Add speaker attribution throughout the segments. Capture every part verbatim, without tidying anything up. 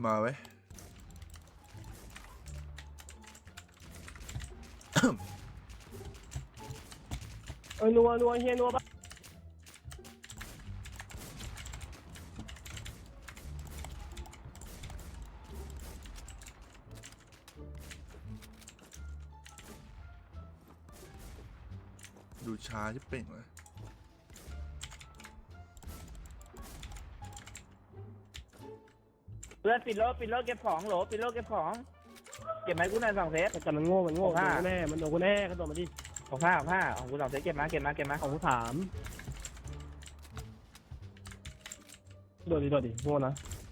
Speaker 1: มาไว้
Speaker 2: เอ้ยนัวนัวเฮียนัวปะ
Speaker 1: ดูช้าที่เป่งเลย
Speaker 3: เพื่อนปิดรถปิดรถเก็บของโหลปิดรถเก็บของเก็บไหมกูหน่อยสองเซต
Speaker 2: แต่มันโง่มันโง่โดนกูแน่มันโดนกูแน่กระโดดมาดิ
Speaker 3: ของผ้าของผ้าของกูสองเซตเก็บมาเก็บมาเก็บมา
Speaker 2: ของกูถามโดดดิโดดดิโง่นะ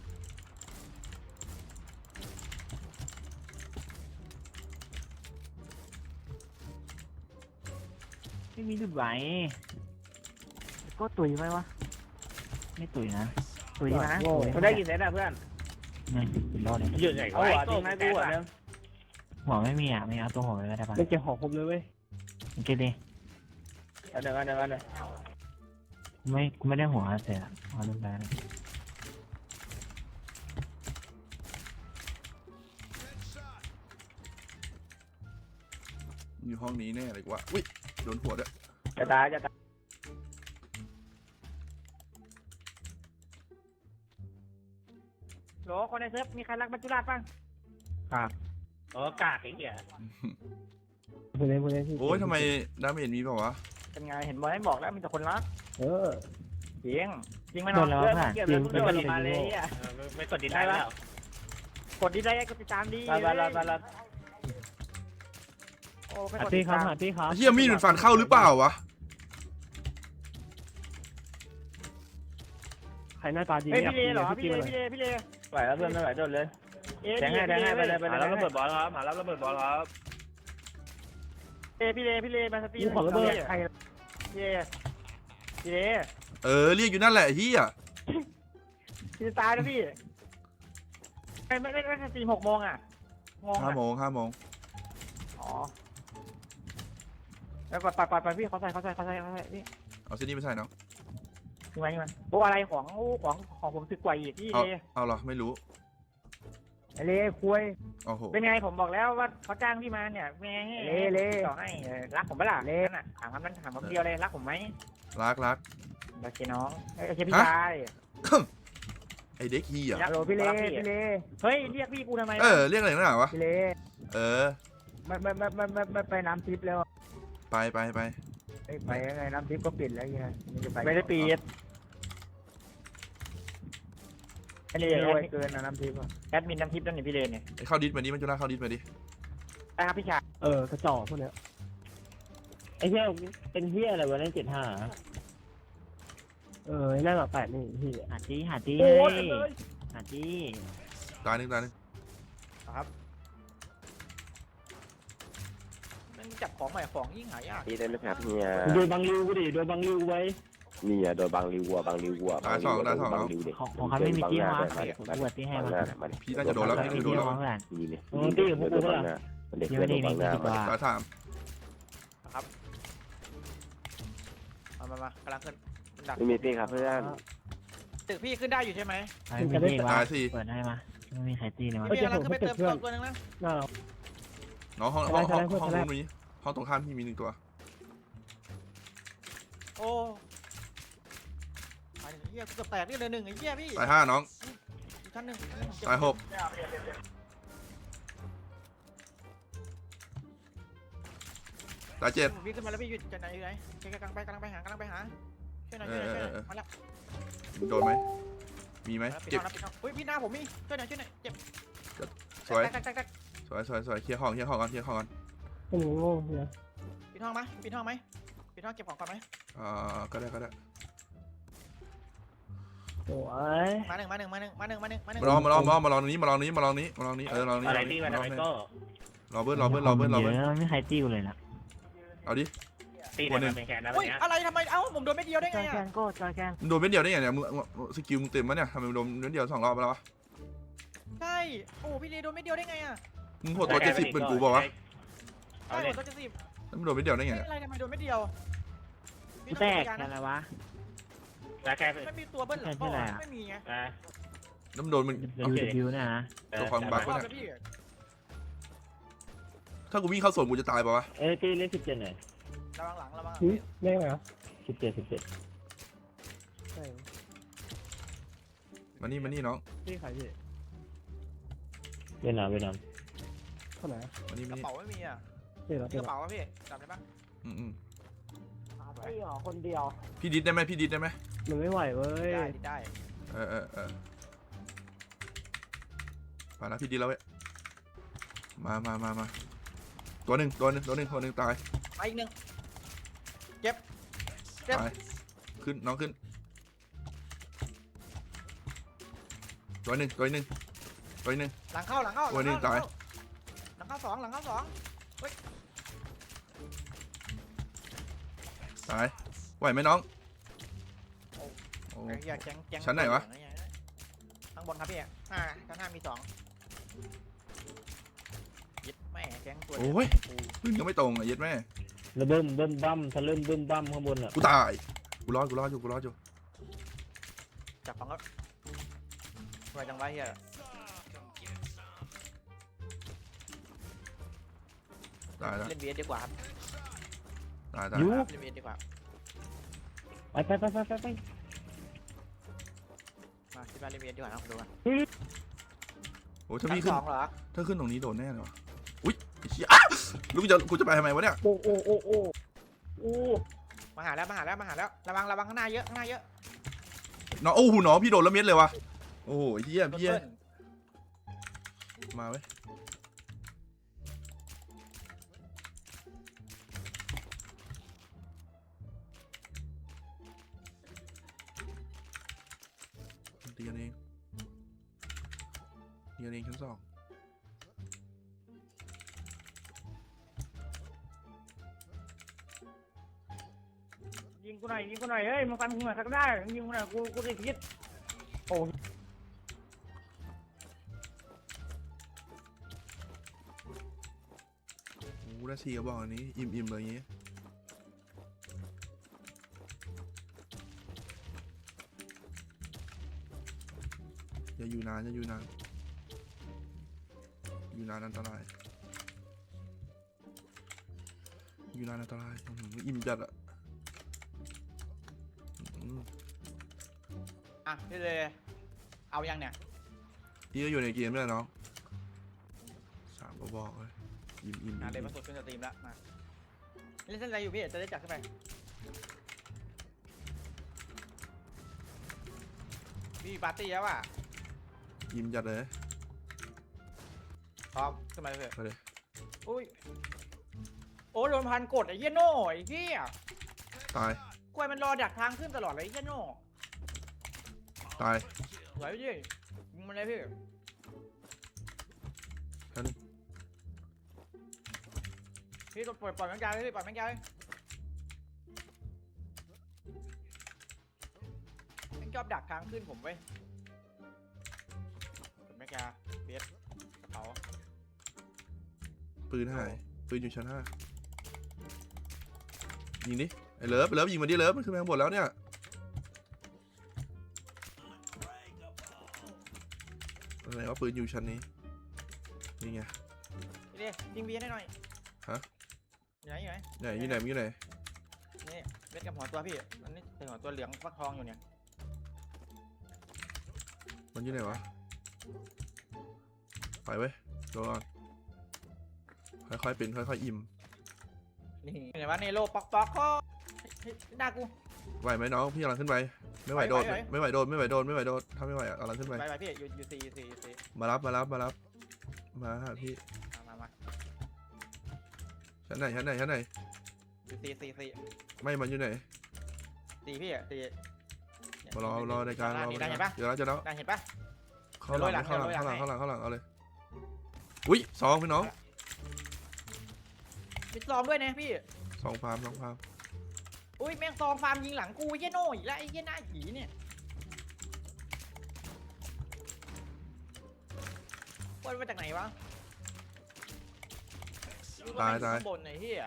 Speaker 3: ไม่มีดุดไหวก็ตุยไหมวะไม่ตุยนะตุยนะกูได้กี่เซตอะเพื่อน
Speaker 4: ไม่เป็นรอดเลย
Speaker 3: หยุดไหนเอาหัวจริงไหมกูหัวเดิม
Speaker 4: หัวไม่มีอ่ะไม่เอาตัวหัวไปก็ได้ปะ
Speaker 2: ไม่เก็บของครบเลยเว้ย
Speaker 4: โอเคดิ
Speaker 3: เอาเดี๋ยวเอาเดี๋ยวเอาเดี๋ยว
Speaker 4: กูไม่กูไม่ได้หัวเสียเอาลูกได้
Speaker 1: อยู่ห้องนี้แน่เลยกว่าอุ้ยโดนหัวด้วย
Speaker 3: จะตายจะตายโหลคนในเซิร์ฟมีใครรักมัจจุราชบ้างครับโอ้กากไอ้เหี้ย
Speaker 2: พูดเล่นพูดเล่นที่
Speaker 1: โอ้ยทำไมดาเมจมีเปล่าวะ
Speaker 3: เป็นไงเห็นบอลให้บอกแล้วมีแต่คนรัก
Speaker 2: เออ
Speaker 3: จริงจริงไหมน้องเพื่อนเกี่ยวกับเรื่องมาเลยอ่ะ
Speaker 5: ไม่กดดินได้แล้ว
Speaker 3: กดดีได้ก็ติดตามดีไปไปไปไปโอ้
Speaker 2: หาตีครับหาตีครับ
Speaker 1: เฮียมีดมันฟันเข้าหรือเปล่าวะ
Speaker 2: ใครหน้าตาดี
Speaker 3: เฮ้ย
Speaker 2: เนี่ย
Speaker 3: พี่เลเหรอ
Speaker 2: พี่
Speaker 3: พี่เลพี่เลพี่เลไหวแล้วเพื่อนไม่ไหวโดนเลยแทงให้แทงให้ไปเลยไป
Speaker 5: หา
Speaker 3: เลย
Speaker 5: รับระเบิดบอลครับหารับระเบิดบอลครับ
Speaker 3: เอพี่เลพี่เลมาสตี
Speaker 2: กูขอระเบิดใคร
Speaker 3: พี่เลพี่เล
Speaker 1: เออเรียกอยู่นั่นแหละเฮีย
Speaker 3: พี่ตายแล้วพี่ไม่ไม่ไม่สตีหกโมงอ่ะงง
Speaker 1: ห้าโมงห้าโมง
Speaker 3: อ๋อแล้วปัดปัดปัดปัดพี่เขาใส่เขาใส่เขาใส่เขาใส่พี่
Speaker 1: เอาเส้นนี้ไปใส่เนาะ
Speaker 3: ยังไงยังไงโอ้อะไรของของของผมสึกกว่าอีกพี่
Speaker 1: เอา
Speaker 3: เล
Speaker 1: เอาเหรอไม่รู้
Speaker 3: เล่คุย
Speaker 1: โอ้โห
Speaker 3: เป็นไงผมบอกแล้วว่าเขาจ้างพี่มาเนี่ยแม่เล่เล่ต่อให้รักผมปะล่ะเล่น่ะถามคำนั้นถามคำเดียวเลยรักผมไหม
Speaker 1: รักรัก
Speaker 3: โอเคน้องโอเคพี่ชาย
Speaker 1: ไอเด็กเฮีย
Speaker 3: ฮัลโหลพี่เล่พี่เล่เฮ้ยเรียกพี่กูทำไม
Speaker 1: เออเรียกอะไรนักหนาวะ
Speaker 3: พี่เล่
Speaker 1: เออ
Speaker 3: ไม่ไม่ไม่ไม่ไม่ไม่ไปน้ำทิพย์แล้ว
Speaker 1: ไปไปไป
Speaker 3: ไปยังไงน้ำทิพย์ก็ปิดแล้วยังไงไม่ได้ปิดอันนี้รวยเกินนะน้ำทิพย์แอดมินน้ำทิพย์นั่นนี่พี่เล่เนี่ย
Speaker 1: ไอเข้าดิสมาดิมันจะน่าเข้าดิสมาดิ
Speaker 3: นะครับพี่ชาย
Speaker 2: เออกระจอกพวกเนี้ย
Speaker 4: ไอ้เหี้ยเป็นเหี้ยอะไรวะนั่นเจ็ดห้า
Speaker 2: เออไอ้นั่นอะแปดนี่พี่
Speaker 4: หาจีหาจี
Speaker 3: โอ้
Speaker 4: เฮ้
Speaker 3: ย
Speaker 4: ยหาจี
Speaker 1: ตายหนึ่งตายหนึ่ง
Speaker 3: ครับมันจับของใหม่ของยิ่งหายาก
Speaker 6: นี่ได้ไหมครับเนี่ย
Speaker 2: โดนบังริวกูดิโดนบังริวไว้
Speaker 6: นี่อ่ะโดนบางริววัวบางริววัวบางริวบางริวเด็ก
Speaker 4: ของของเขาไม่มีจี้วะผมปวดที่ให้
Speaker 6: บาง
Speaker 4: มา
Speaker 6: หน้ามาดิ
Speaker 1: พี่น่าจะโดนแล้ว
Speaker 4: ไม่
Speaker 1: พี่
Speaker 4: มี
Speaker 1: โดน
Speaker 4: จี้
Speaker 1: แล้ว
Speaker 4: วะเพื่อน
Speaker 6: นี่เนี่ย
Speaker 2: มึงตีกับพวกกู
Speaker 6: โดน
Speaker 2: ปะ
Speaker 6: บางห
Speaker 2: ล่ะ
Speaker 6: น้ามันเด็กเพื่อนโดนบางหน้ามา
Speaker 1: ตายถาม
Speaker 3: มามามากำลังขึ้นดัก
Speaker 6: ไม่มีตีครับเพื่อน
Speaker 3: ตึกพี่ขึ้นได้อยู่ใช่ไหม
Speaker 4: ไม่มีจี้วะ
Speaker 1: ตายสิ
Speaker 4: เปิดให้มาไม่มีใครตีเลยมั้ย
Speaker 3: พี่กำลังขึ้นไปเติมตัวตัวนึงนะ
Speaker 2: น่า
Speaker 1: น้องห้องห้องห้องห้องนู้นมีห้องตรงข้ามพี่มีหนึ่งตัว
Speaker 3: โอ้ไอ้เหี้ยเกือบแตกนี่เลยหนึ่งไอ้เหี้ยพี่
Speaker 1: ตายห้าน้อง
Speaker 3: อีกชั้นหนึ่ง
Speaker 1: ตายหกตายเจ็ด
Speaker 3: วิ่งขึ้นมาแล้วพี่หยุดจะไหนอยู่ไหนกำลังไปกำลังไปหากำลังไปหาช่วยหน่อย
Speaker 1: เอ
Speaker 3: ช่วย
Speaker 1: อ
Speaker 3: หน่อย
Speaker 1: เอ
Speaker 3: ช่วยหน่อย
Speaker 1: อเออ
Speaker 3: มาแล้ว
Speaker 1: โดนไหมมีไหม
Speaker 3: ปิด
Speaker 1: เจ็บ
Speaker 3: ห้องนะปิดห้องเฮ้ยพี่หน้าผมมีช่วยหน่อยช่วยหน่อยเจ็บ
Speaker 1: สวย
Speaker 3: แตกแตกแตก
Speaker 1: สวยสวยสวยเคลียร์ห้องเคลียร์ห้องก่อนเคลียร์ห้องก่อน
Speaker 2: โอ้โหโง่เนี่ย
Speaker 3: ปิดห้องไหมปิดห้องไหมปิดห้องเก็บของก่อนไหม
Speaker 1: อ่าก็ได้ก็ได้
Speaker 2: โอ้ย
Speaker 3: มาหนึ่งมาหนึ่งมาหนึ่งมาหนึ่งมาหนึ่งมาหนึ่ง
Speaker 1: มาลองมาลองมาลองมาลองนี้มาลองนี้มาลองนี้มาลองนี้เออลองนี้
Speaker 5: อะไรที่มันอะไรก็
Speaker 1: รอเบิ้ลรอเบิ้ลรอเบิ้ลรอเบิ้ล
Speaker 4: เยอะไม่มีใครจี้กูเลยนะ
Speaker 1: เอาดิ
Speaker 5: ตีเนี่ยมันเป็นแค่นั้น
Speaker 3: เฮ้ย
Speaker 5: เนี้ย
Speaker 3: อะไรทำไมเอ้าผมโดนไม่เดียวได้
Speaker 4: จ
Speaker 3: ไง
Speaker 4: อยแก
Speaker 3: อ่ะ
Speaker 4: นก็จอยแกน
Speaker 1: มึงโดนเม็ดเดียวได้ไงเนี่ยมึงสกิลมึงเต็มมั้ยเนี่ยทำไมมึงโดนเม็ดเดียวสองรอบไปแล้ววะ
Speaker 3: ใช่โอ้พี่เลโดนไม่เดียวได้ไงอ่ะ
Speaker 1: มึงโหดตัวเจ็ดสิบเป็นกูบอกวะ
Speaker 3: ใช่หมดตัวจะสิบ
Speaker 1: แล้วมึงโดนเม็ดเดียวได้ไงเนี่ย
Speaker 3: อะไรทำไมโดนไม่เดียว
Speaker 4: กูแตกอะไรวะ
Speaker 5: แล้วแค่
Speaker 3: ไม่มีตัวเบิ้ลหรอไม่มีไง
Speaker 1: น้ำโดนมัน
Speaker 4: ยูดิวเนี่ยนะ
Speaker 1: ตัวความบัก
Speaker 5: ร
Speaker 1: วะ
Speaker 5: อบ
Speaker 1: เนี่ย
Speaker 5: นะพี่
Speaker 1: ถ้ากูวิ่งเข้าโซนกูจะตายป่าวะ
Speaker 4: เอ้ยพี่เล่นสิบเจ็ดหน่อย
Speaker 5: ระวังหลังระวังหลัง
Speaker 2: หึ
Speaker 5: พี่
Speaker 2: ได้ไหมเหรอ
Speaker 4: สิบเจ็ดสิบเจ็ด
Speaker 2: ใช่
Speaker 1: มานี่มานี่น้อง
Speaker 2: พี่ใครพี่
Speaker 4: เวียดนามเวียดนาม
Speaker 2: เท่าไหร่
Speaker 1: มานี่
Speaker 5: ก
Speaker 1: มา
Speaker 5: ระ
Speaker 1: นี่
Speaker 5: เป๋าไม่มีอ่ะ
Speaker 2: พี่เหรอ
Speaker 5: มี
Speaker 2: พี่
Speaker 5: ก
Speaker 2: เหรอ
Speaker 5: ระเป๋าวะพี่จำได้ปะ
Speaker 1: อืมอืม
Speaker 2: ไอ้หรอคนเดียว
Speaker 1: พี่ดิดได้ไหมพี่ดิดได้ไหม
Speaker 2: มันไม่ไหวเว้ย
Speaker 5: ได้ได้
Speaker 1: เออเออเออมาแล้วพี่ดิดแล้วเว้ยมามามามาตัวหนึ่งตัวหนึ่งตัวหนึ่งตัวหนึ่งตาย
Speaker 5: ไปอีกหนึ่งเจ็บเจ็บ
Speaker 1: ตายขึ้นน้องขึ้นตัวหนึ่งตัวหนึ่งตัวหนึ่ง
Speaker 5: หลังเข้าหลังเข้าหลั
Speaker 1: วันนี้
Speaker 5: เข้
Speaker 1: ตาย
Speaker 5: หลังเข้าสองหลังเข้าสอง
Speaker 1: ตายไหวไหมน้องโอ้
Speaker 5: ไอ้เหี้ยแก๊งแก๊ง
Speaker 1: ชั้นไหนวะ
Speaker 5: ข้างบนครับพี่ห้าชั้นห้ามีสองยึดแม่แก๊งตัว
Speaker 1: โอ้ยพึ่งยังไม่ตรงอ่ะเย็ดแม่
Speaker 4: แล้วเบิ่มเบิ่มบั้มทะลึ่มเบิ่มบั้มข้างบนอ่ะ
Speaker 1: กูตายกูรอดกูรอดอยู่กูรอดอยู่
Speaker 5: จับฟังก็ไวจังไวะเฮีย
Speaker 1: ตายแล้ว
Speaker 5: เล่นเวียดดีกว่าครับ
Speaker 1: ตายตาย
Speaker 4: ยู
Speaker 5: เล่นเวียดดีกว่า
Speaker 4: ไปไปไปไปไปไป
Speaker 5: มาที่บ้านเล่นเวียดดีกว่านะดูกัน
Speaker 1: โอ้ถ้า
Speaker 5: ชั้
Speaker 1: พี่
Speaker 5: น
Speaker 1: ขึ้
Speaker 5: ส
Speaker 1: น
Speaker 5: องเหรอ
Speaker 1: ถ้าขึ้นตรงนี้โดนแน่เลยวะอุ้ยไอ้เชี่ยอ่ะลูกจะกูจะไปทำไมวะเนี่ย
Speaker 2: โอ้โอ้โอ้โอ้โอ้
Speaker 5: มาหาแล้วมาหาแล้วมาหาแล้วระวังระวังข้างหน้าเยอะข้างหน้าเยอะ
Speaker 1: น้องโอ้โหน้องพี่โดนละเม็ดเลยวะโอ้โหไอ้เหี้ย
Speaker 5: ต้น
Speaker 1: พี่เหี้ย
Speaker 5: เปิ้ล
Speaker 1: มาเว้ยตีกันเองตีกันเองชั้นสอง
Speaker 3: ยิงกูหน่อยยิงกูหน่อยเฮ้ยมาฟันกูหน่อยสักได้ยิงกูหน่อยกูกูติดพิษ
Speaker 1: โอ้ได้สี่กระบอกอันนี้อิ่มอิ่มเลยอย่างงี้อย่าอยู่นานอย่าอยู่นานอยู่นานอันตรายอยู่นานอันตรายอื้อหืออิ่มจัดอะอืม
Speaker 5: อ่ะพี่เลยเอายังเนี่ย
Speaker 1: พี่ก็อยู่ในเกมด้วยน้องสามกระบอกเลยอิ่มอิ่ม
Speaker 5: อ่ะ
Speaker 1: อิ่ม
Speaker 5: เลยมาสุดขึ้นสตรีมแล้วมาเล่นเส้นอะไรอยู่พี่จะได้จัดขึ้นไปพี่ปาร์ตี้แล้วอ่ะ
Speaker 1: อิ่มจัดเลย
Speaker 5: พร้อมขึ้นมาเลย
Speaker 1: ไปเลย
Speaker 5: อุ้ยโอ้โดนพันกดไอ้เหี้ยโน่ไอ้เหี้ย
Speaker 1: ตาย
Speaker 5: กล้วยมันรอดักทางขึ้นตลอดเลยไอ้เหี้ยโน่
Speaker 1: ตาย
Speaker 5: สวยพี่ยิงมันเลยพี่
Speaker 1: ฉัน
Speaker 5: พี่ปล่อยปล่อยแมงกาเลยพี่ปล่อยแมงกาเลยแมงชอบดักทางขึ้นผมเว้ยกดแมงกาเบียดกระเป๋า
Speaker 1: ปืนหายปืนอยู่ชั้นห้ายิงดิไอ้เลิฟเลิฟยิงมาดิเลิฟมันขึ้นไปข้างบนแล้วเนี่ยอะไรว่าปืนอยู่ชั้นนี้นี่ไง
Speaker 5: พี่เด้ยิงเบียดให้หน่อย
Speaker 1: ฮะ
Speaker 5: อยู่ไหนอยู่ไหน
Speaker 1: ไหนอยู่ไหนอยู่ไหน
Speaker 5: นี่เบ็ดกับหัวตัวพี่อันนี้เป็นหัวตัวเหลืองฟักทองอยู่เนี่ย
Speaker 1: มันอยู่ไหนวะไปเว้ยรอก่อนค่อยๆเป็นค่อยๆอิ่ม
Speaker 5: นี่เห็นว่าเนโรป๊อกป๊อกเขาเฮ้ยหน้ากู
Speaker 1: ไหวไหมน้องพี่กำลังขึ้นไปไม่ไหวโดด
Speaker 5: ไหวไหว
Speaker 1: ไม่ไหวโดดไม่ไหวโดดไม่ไหวโดดถ้าไม่ไหวอ่ะกำลังขึ้นไป
Speaker 5: ไปไปพี่อยู่อยู่สี่สี่สี่
Speaker 1: มารับมารับมารับมาหาพี่
Speaker 5: มามามา
Speaker 1: ชั้นไหนชั้นไหนชั้นไหน
Speaker 5: อยู่สี่สี่สี่
Speaker 1: ไม่มันอยู่ไหน
Speaker 5: สี่พี่อ่ะสี่เนี่ย
Speaker 1: มารอรอในการรอ
Speaker 5: นี่
Speaker 1: ใน
Speaker 5: ได้
Speaker 1: กา
Speaker 5: เห็น
Speaker 1: ร
Speaker 5: ปะ
Speaker 1: เดี๋ยวแล้วเดี๋ยวแล้ว
Speaker 5: ได้เห็นปะ
Speaker 1: เข้าหลัง
Speaker 5: เดี๋ยว
Speaker 1: เข้าหลัง
Speaker 5: โรยหลั
Speaker 1: เข้าง หลัง
Speaker 5: เดี๋ยวโรยหลัง
Speaker 1: เข้าหลังเข้าหลังเข้าหลังเอาเลยอุ้ยสองพี่น้อง
Speaker 5: มีซองด้วยนะพี่
Speaker 1: สองฟาร์มสองฟาร์ม
Speaker 5: อุ้ยแม่งซองฟาร์มยิงหลังกูไอ้เหี้ยโน่อีกแล้วไอ้เหี้ยหน้าผีเนี่ยว่ามาจากไหนวะ
Speaker 1: ตายตาย
Speaker 5: ข้างบนไอ้เหี้ย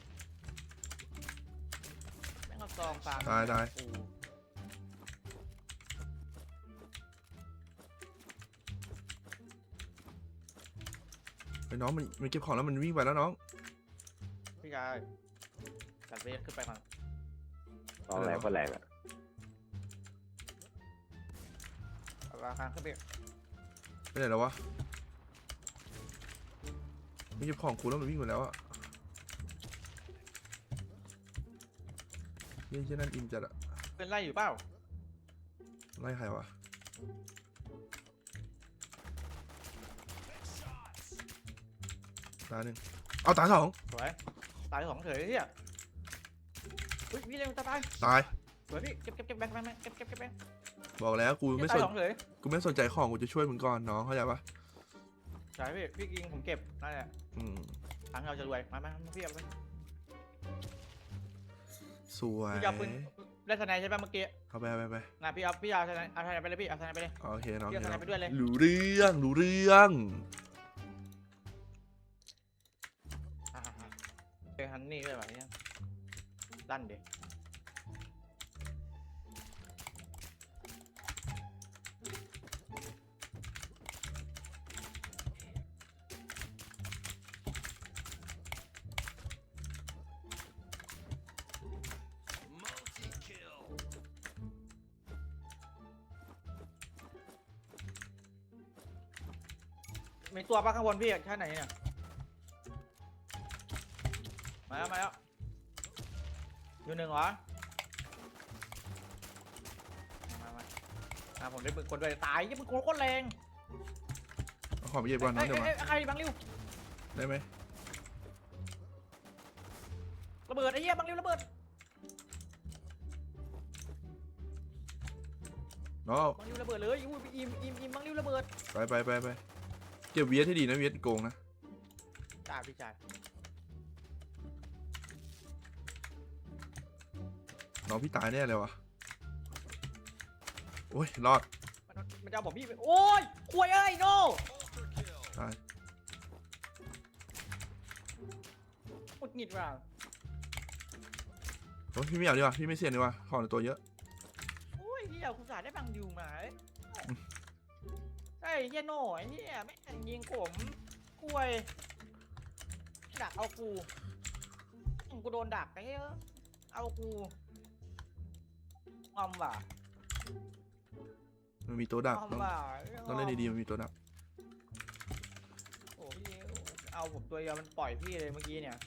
Speaker 5: แม่งเอาซองฟาร์ม
Speaker 1: ตายตาย
Speaker 5: กู
Speaker 1: ไอ้น้องมันมันเก็บของแล้วมันวิ่งไปแล้วน้อง
Speaker 5: พี่ชายจัดเวทขึ้นไปก่อน
Speaker 6: ตอนแรกก็แรงอ่ะ
Speaker 5: เอาราคาขึ้นไป
Speaker 1: ไปไหนแล้ววะมันเก็บของกูแล้วมันวิ่งไปแล้วอะเฮ้ยเช่นนั้นอิมจัดอะ
Speaker 5: เป็นไล่อยู่เปล่า
Speaker 1: ไล่ใครวะตาหนึ่งเอาตาสอง
Speaker 5: สวยตายสองเฉยเฮียอุ้ยพี่เร็วตายตาย
Speaker 1: ตาย
Speaker 5: สวยพี่เก็บเก็บเก็บแบงค์แบงค์เก็บเก็บเก็บแบงค์
Speaker 1: บอกแล้วกูไม่
Speaker 5: ตา
Speaker 1: ส
Speaker 5: ย
Speaker 1: น
Speaker 5: สองเฉย
Speaker 1: กูไม่สนใจของกูจะช่วยมึงก่อนน้องเข้าใจปะ
Speaker 5: ใช่พี่พี่กิงผมเก็บนั่นแหละ
Speaker 1: อืม
Speaker 5: ทางเราจะรวยมามามาพี่เอาไป
Speaker 1: สวย
Speaker 5: พี่เอาปืนได้ทนายใช่ป่ะเมื่อกี้
Speaker 1: เอาไปเอาไปเอาไป
Speaker 5: งานพี่เอาพี่เอาทนายเอาทนายไปเลยพี่เอาทนายไปเลย
Speaker 1: โอเคน้อง
Speaker 5: พี่เอาทนายไปด้วยเลย
Speaker 1: รู้เรื่องรู้เรื่อง
Speaker 5: อ่าเจอฮันนี่ด้วยแบบนี้ลั่นเด็กมีตัวปะข้างบนพี่แค่ไหนเนี่ยมาแล้วมาแล้วอยู่หนึ่งเหรอมามามาผมได้ปืนคนด้วยตายยี่ปืนโคตรแรง
Speaker 1: เอาของไปเย็บก่อนน้องเดี๋ยวมา
Speaker 5: เอ้ยเอ้ยใครบังริว
Speaker 1: ได้ไหม
Speaker 5: ระเบิดไอ้เหี้ยบังริวระเบิด
Speaker 1: น้อง
Speaker 5: บังริวระเบิดเลยอุ้ยอิมอิมอิมบังริวระเบิด
Speaker 1: ไปไปไปไปเก็บเวียดให้ดีนะเวียดโกงนะ
Speaker 5: จ่าพี่จ่า
Speaker 1: น้องพี่ตายแน่เลยวะโอ้ยรอด
Speaker 5: มันมันจะเอาผมพี่ไปโอ้ยควยเอ้ยโน่
Speaker 1: ตาย
Speaker 5: หงุดหงิดว่ะ
Speaker 1: โอ้ยพี่ไม่เอาดีกว่าพี่ไม่เสี่ยงดีกว่าของในตัวเยอะ
Speaker 5: โอ้ยเหี้ยคุณสาได้บังริวมาเอ้ยไอ้เหี้ยโน่ไอ้เหี้ยไม่งยิงผมควยดักเอากูกูโดนดักไอ้เหี้ยเอากูงอมว่ะ
Speaker 1: มันมีตัวดัก
Speaker 5: งอม
Speaker 1: ต้อง
Speaker 5: ว่ะ
Speaker 1: ต้องเล่นดีๆมันมีตัวดัก
Speaker 5: โอ้พี่เอาผมตัวเดียวมันปล่อยพี่เลยเมื่อกี้เนี่ย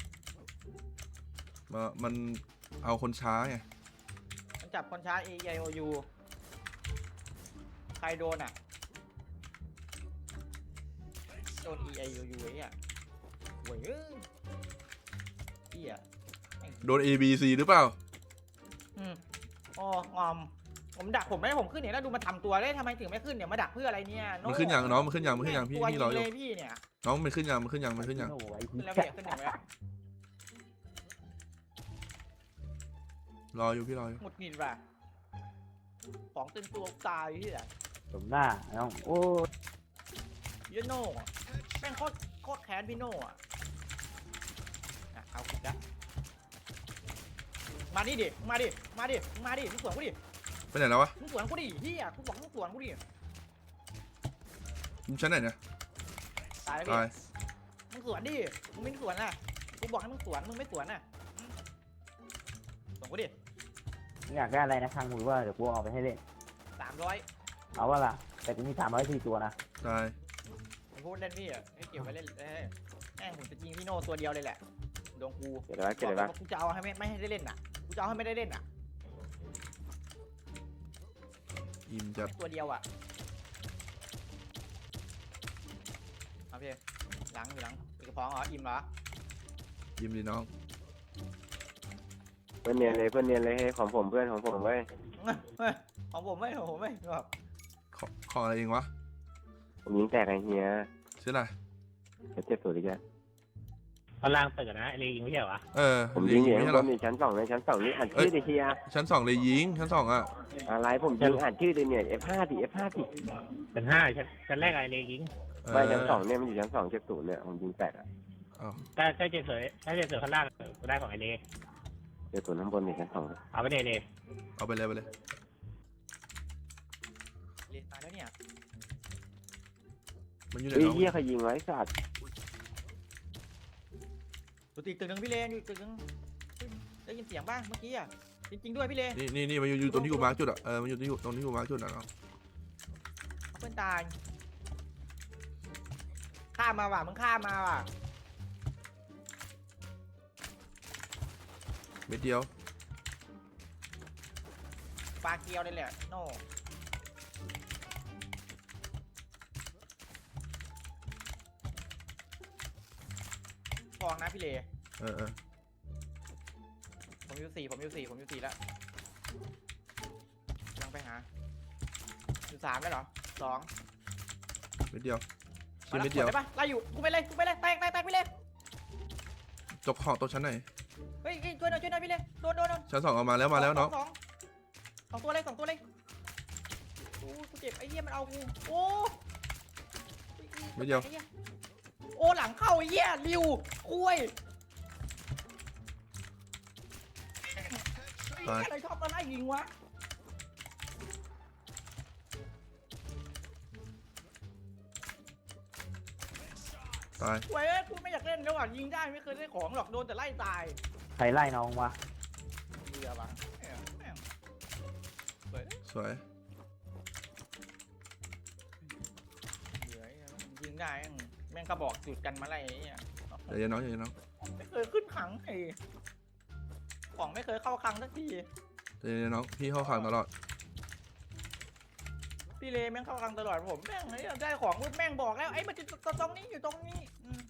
Speaker 1: มามันเอาคนช้าไง
Speaker 5: มันจับคนช้า A I O U ใครโดนอ่ะโดน E I O U ไอ้เนี่ยโว้ยเอ้ยเหี้ย
Speaker 1: โดน A B C หรือเปล่า
Speaker 5: อืมอ๋องอมผมดักผมไม่ให้ผมขึ้นเนี่ยแล้วดูมาทำตัวได้ทำไมถึงไม่ขึ้นเนี่ยมาดักเพื่ออะไรเนี่ยโ
Speaker 1: มันขึ้นยังน้องมันขึ้นยังมันขึ้นยังพี่
Speaker 5: ตัว
Speaker 1: พี่รออยู่
Speaker 5: เลยพี่เนี่ย
Speaker 1: น้องมันขึ้นยังมันขึ้นยังมันขึ้นยัง
Speaker 2: โอ้ย
Speaker 5: ขึ้นแล้วพี่ขึ้นอย่างไร
Speaker 1: รออยู่พี่รออยู่
Speaker 5: หมดหงิดว่ะของตึงตัวตายที่ไหน
Speaker 4: สมหน้าน้องโอ้
Speaker 5: ยโน่อะแม่งโคตรโคตรแค้นพี่โน่อะอ่ะเอาขุดละมานี่ดิมาดิมาดิมาดิมึงสวนกูดิ
Speaker 1: ไปไหนแล้ววะ
Speaker 5: มึงสวนกูดิเฮียกูบอกมึงสวนกูดิ
Speaker 1: มึงชั้นไหนเนี่ย
Speaker 5: ตายแล้ว
Speaker 1: ตาย
Speaker 5: พี่มึงสวนดิมึงไม่สวนน่ะกูบอกให้มึงสวนมึงไม่สวนน่ะอืมสวนกูดิ
Speaker 4: อยากได้อะไรนะทางมือว่าเดี๋ยวกูเอาไปให้เล่น
Speaker 5: สามร้อย
Speaker 4: เอาว่าล่ะแต่กูมีสามร้อยสี่ตัวนะ
Speaker 1: ตาย
Speaker 5: ผมพูดเล่นพี่อ่ะให้เก็บไว้เล่นเอ้ยแม่งผมจะยิงพี่โน่ตัวเดียวเลยแหละดวงกู
Speaker 6: เก็บได้เก็บ
Speaker 5: บอก
Speaker 6: ได้
Speaker 5: เลยว่ากูจะเอาให้ไม่ไม่ให้ได้เล่นน่ะกูจะเอาให้ไม่ได้เล่นน่ะ
Speaker 1: อิมจัด
Speaker 5: ตัวเดียวอ่ะเอาพี่หลังอยู่หลังกระเพาะเหรออิ่มเหรอ
Speaker 1: ยิมดีน้อง
Speaker 6: เพื่อนเนียนเลยเพื่อนเนียนเลยให้ของผมเพื่อนของผมเว้ย
Speaker 5: เฮ้ยของผมไม่ของผมไม่แบบ
Speaker 1: ขอขออะไรเองวะ
Speaker 6: ผมยิงแตกไอ้เฮีย
Speaker 1: ชื่ออะไร
Speaker 6: เจ็บสุดอีกแล้ว
Speaker 4: ตอนล่างตึกนะไอเลยิงไม่ใช่เหรอ
Speaker 1: เออ
Speaker 6: ผม
Speaker 1: เล
Speaker 6: ยิ
Speaker 1: ย
Speaker 6: งอ
Speaker 1: ยิ
Speaker 6: ยู่
Speaker 1: งไม่
Speaker 6: ข้าง
Speaker 1: ใช่
Speaker 6: บ
Speaker 1: เหรอน
Speaker 6: นี่ชั้นสองเลยชั้นสองนี่อ่านชื่อดิเฮีย
Speaker 1: ชั้นสองเลยยิงชั้นสองอ่ะ
Speaker 6: อะไรผมยิงอ่านชื่อดิเนี่ย เอฟ ห้า ดิ เอฟ ห้า ดิ
Speaker 4: เป็นห้าชั้นชั้นแรกไอเลยิง
Speaker 1: เออ
Speaker 6: ไม่ชั้นสองเนี่ยมันอยู่ชั้นสองเจ็บศูนย์เนี่ยผมยิงแตกอ่ะ
Speaker 1: อ้าว
Speaker 4: ถ้าถ้าเจเสยถ้าเจเสยข้างล่างกูได้ของไอเล
Speaker 6: เจ็บศูนย์ข้างบนนี่ชั้นสอง
Speaker 4: เอาไปเดเล
Speaker 1: เอาไปเลยไปเลย
Speaker 5: เรียนตายแล้วเนี่ย
Speaker 1: มันอยู่ไหน
Speaker 6: เฮ้ย
Speaker 1: น้อง
Speaker 6: เฮียใครยิงไว้สัตว์
Speaker 5: ตัวตีตึกหนึ่งพี่เลนอยู่ตึกหนึ่งได้ยินเสียงบ้างเมื่อกี้อ่ะจริงๆด้วยพี่เลน
Speaker 1: นี่นี่นี่มันอยู่อยู่ตรงที่กูมาร์คจุดอ่ะเออมันอยู่ที่ตรงที่กูมาร์คจุดอ่ะเนาะ
Speaker 5: เพื่อนตายข้ามมาว่ะมึงข้ามมาว่ะ
Speaker 1: เม็ดเดียว
Speaker 5: ปลาเกียวเลยแหละโน่ฟองนะพี่เล
Speaker 1: เออเออ
Speaker 5: ผมอยู่สี่ผมอยู่สี่ผมอยู่สี่แล้วยังไปหาอยู่สามแล้วเหรอสอง
Speaker 1: เม็ดเดียว
Speaker 5: มา
Speaker 1: ชิ้น
Speaker 5: แล้ว
Speaker 1: เม็ดเดียว
Speaker 5: กได้ปะไล่อยู่กูไปเลยกูไปเลยแตกแตกแตกพี่เล
Speaker 1: จกของตัวชั้นไหน
Speaker 5: เฮ้ยเฮ้ยช่วยหน่อยช่วยหน่อยพี่เลโดนโดนโดน
Speaker 1: ชั้นสองเอามาแล้วมาแล้วน้อง
Speaker 5: สองสองตัวเลยสองตัวเลยโอ้กูเจ็บไอ้เหี้ยมันเอากูโอ้
Speaker 1: เม็ดเดียว
Speaker 5: ไอ้หี้โอ้หลังเข้าไอ้เหี้ยริวคุย
Speaker 1: ตาย
Speaker 5: อะไรชอบมาไล่ยิงวะ
Speaker 1: ตาย
Speaker 5: เว้ยกูไม่อยากเล่นแล้วอ่ะยิงได้ไม่เคยได้ของหรอกโดนแต่ไล่ตาย
Speaker 3: ใครไล่น้องวะ
Speaker 5: เบื่อปะแม่งแม่งเบื่อ
Speaker 1: สวย
Speaker 5: เบื่อยิงได้แม่งแม่งกระบอกจุดกันมาไล่ไอ้เนี่ย
Speaker 1: เดี๋ยวน้องเดี๋ยวน้อง
Speaker 5: ไม่เคยขึ้นขังไอ้ของไม่เคยเข้าคลังสักที
Speaker 1: เดี๋ยวน้องพี่เข้าขังตลอด
Speaker 5: พี่เลแม่งเข้าคลังตลอดผมแม่งไอ้ได้ของปุ๊บแม่งบอกแล้วไอ้มันจะตรงนี้อยู่ตรงนี้อืม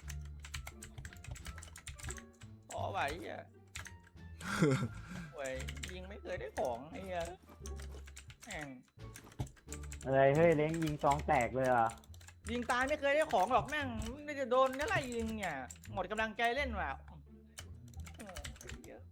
Speaker 5: พอไหวอ่ะ เว้ยยิงไม่เคยได้ของไอ้เหี้ยแม่ง
Speaker 3: อะไรเฮ้ยเล้งยิงซองแตกเลยอ่ะ
Speaker 5: ยิงตายไม่เคยได้ของหรอกแม่งไม่จะโดนนี่อะไรยิงเนี่ยหมดกำลังใจเล่นว่ะโอ้เยอะ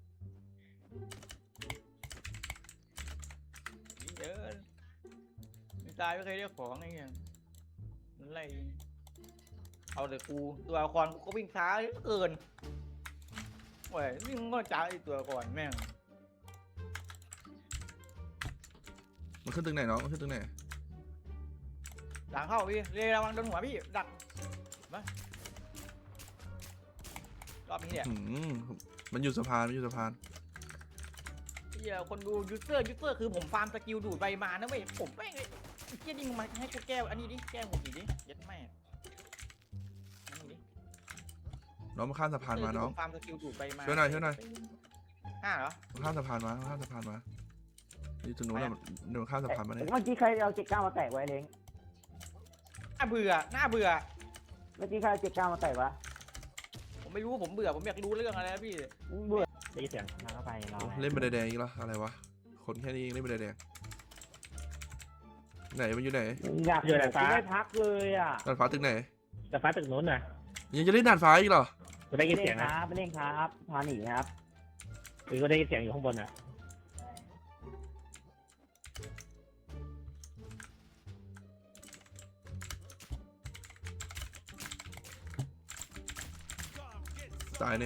Speaker 5: เยอะยิงตายไม่เคยได้ของไอ้เงี้ยนั่นอะไรยิงเอาแต่กูตัวละครกูก็วิ่งช้าเหลือเกินเว้ยวิ่งก็ช้าไอ้ตัวละครแม่ง
Speaker 1: มันขึ้นตึงไหนน้องมันขึ้นตึงไหน
Speaker 5: หลังเข้าพี่เรระวังโดนหัวพี่ดักมารอบนี้เนี่ย
Speaker 1: หืมมันอยู่สะพานมันอยู่สะพาน
Speaker 5: เฮียคนดูยูเซอร์ยูเซอร์คือผมฟาร์มสกิลดูดใบมานะเว้ยผมแม่งไอ้เฮียนี่มึงมาให้กูแก้วอันนี้ดิแก้วหมดดิเย็ดแม่อันนี้ดิ
Speaker 1: น้องมาข้ามสะพานมาน้อง
Speaker 5: ผมฟาร์มสกิลดูดใบมา
Speaker 1: ช่วยหน่อยช่วยหน่อย
Speaker 5: ห้าเหรอ
Speaker 1: มาข้ามสะพานมามาข้ามสะพานมานี่ตรงนู้นน่ะเดินข้ามสะพานมาเนี่ย
Speaker 3: เมื่อกี้ใครเอาเจ็ดเก้ามาแตกไว้เล้ง
Speaker 5: น่าเบื่อน่าเบื่อ
Speaker 3: เมื่อกี้ใครเอาเจ็ดเก้ามาแตกวะ
Speaker 5: ผมไม่รู้ผมเบื่อผมอยากรู้เรื่องอะไรนะพี่
Speaker 3: เบื่อ
Speaker 4: ได้ยินเสียงมาเข้าไปเรา
Speaker 1: เล่นใบแดงอีกแล้วอะไรวะคนแค่นี้เองเล่นใบแดงไหนมันอยู่ไหน
Speaker 3: อยากอยู่แต่ไม่พักเลยอ่ะ
Speaker 1: ดาดฟ้าตึกไหน
Speaker 4: แต่ฟ้าตึกนู้นน่ะ
Speaker 1: ยังจะเล่นดาดฟ้าอีกเหรอ
Speaker 4: กูได้ยิน
Speaker 3: เล่
Speaker 4: เสีย
Speaker 3: น
Speaker 4: ง
Speaker 3: ค
Speaker 4: นะ
Speaker 3: รับไปเล่นครับพาหนีครับ
Speaker 4: คือกูได้ยินเสียงอยู่ข้างบนน่ะ
Speaker 1: ตายหนึ่ง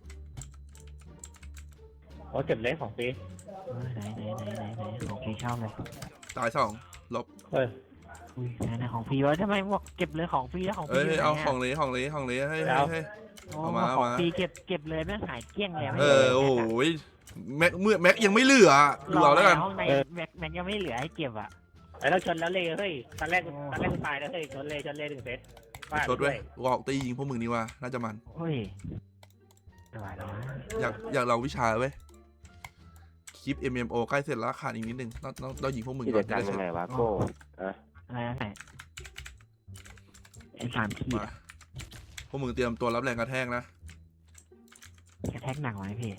Speaker 4: โอ้เจ็บเล็กของปี
Speaker 3: เออไหนไหนไหนไหนไหนของพี่ชอบเลย
Speaker 1: ตายสองลบ
Speaker 4: เฮ้ย
Speaker 3: อุ้ยไหนไหนของพี่วะทำไมบอกเก็บเลยของพี่แล้วของ
Speaker 1: เอ้
Speaker 3: พี่
Speaker 1: ยเอาของเลยของเลยของเลยให้ให้ให้ เอามา
Speaker 3: ของ
Speaker 1: เอามา
Speaker 3: พี่เก็บเก็บเลยแม่งหายเกลี้ยงเลย
Speaker 1: เออโอ้โหแม็กเมื่อแม็กยังไม่เหลือดูเอาแล้วกัน
Speaker 3: ห้องในแม็กแม็กยังไม่เหลือให้เก็บอ่ะ
Speaker 4: ไอ้เราชนแล้วเลยเฮ้ยตอนแรกตอนแรกกูตายแล้วเฮ้ยชนเลยชนเลยถึงเซต
Speaker 1: ชดเว้ยกูออกตียิงพวกมึงนี่ว่าน่าจะมัน
Speaker 3: เฮ้ยไม่ไหวแล้วนะ
Speaker 1: อยากอยากลองวิชาเว้ยคลิป เอ็ม เอ็ม โอ ใกล้เสร็จแล้วขาดอีกนิดนึงต้องต้องต้องยิงพวกมึง
Speaker 6: ที่
Speaker 1: ก่อ
Speaker 6: จะ
Speaker 1: นจะ
Speaker 6: กัน
Speaker 1: ได้เสร็จ
Speaker 6: ยังไงวะโก้อะ
Speaker 3: อะไรนั่นแหละไอ้สามขีด
Speaker 1: มา
Speaker 3: อะ
Speaker 1: พวกมึงเตรียมตัวรับแรงกระแทกนะ
Speaker 3: กระแทกหนักไหมพี่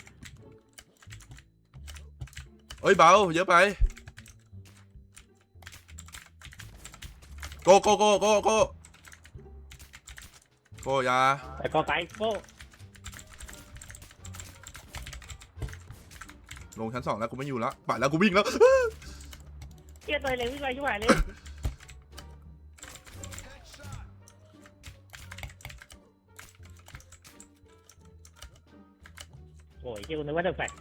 Speaker 1: เอ้ยเบาเยอะไปโกโกโกโกโกโกอยา
Speaker 4: ไอ้กอไก่โก้
Speaker 1: ลงชั้นสองแล้วกูไม่อยู่แล้วไปแล้วกูวิ่งแล้ว
Speaker 4: เกียร์ตัวเล็กวิ่งไปช่วยเลยโอ้ยเกียร์กูนึกว่าจะแฟก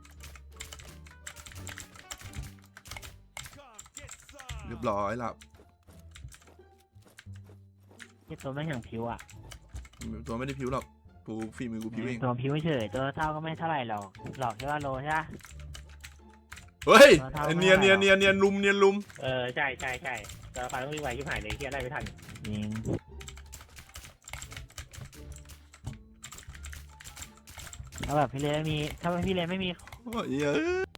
Speaker 1: เรียบร้อยหลับ
Speaker 3: ไอ้ตัวแม่งอย่างผิวอ่ะ
Speaker 1: ตัวไม่ได้ผิวหรอกกูฝีมือกูพิวเอง
Speaker 3: ตัวพิวเฉยตัวเท่าก็ไม่เท่าไหร่หรอกหลอกแค่ว่าโลใช่ปะ
Speaker 1: เฮ้ย
Speaker 3: ตัวเท่าไม่
Speaker 1: เนียนเนียน
Speaker 3: เท่าไหร่
Speaker 1: เนียนเนียนลุมเนียนลุม
Speaker 4: เออใช่ใช่ใช่แต่ฟันต้องวิ่งไวชิบหายเลยเฮียไล่ไม่ทัน
Speaker 3: จริงถ้าแบบพี่เลนไม่มีถ้าพี่เลนไม่มี
Speaker 1: โอ้ยเอ้ย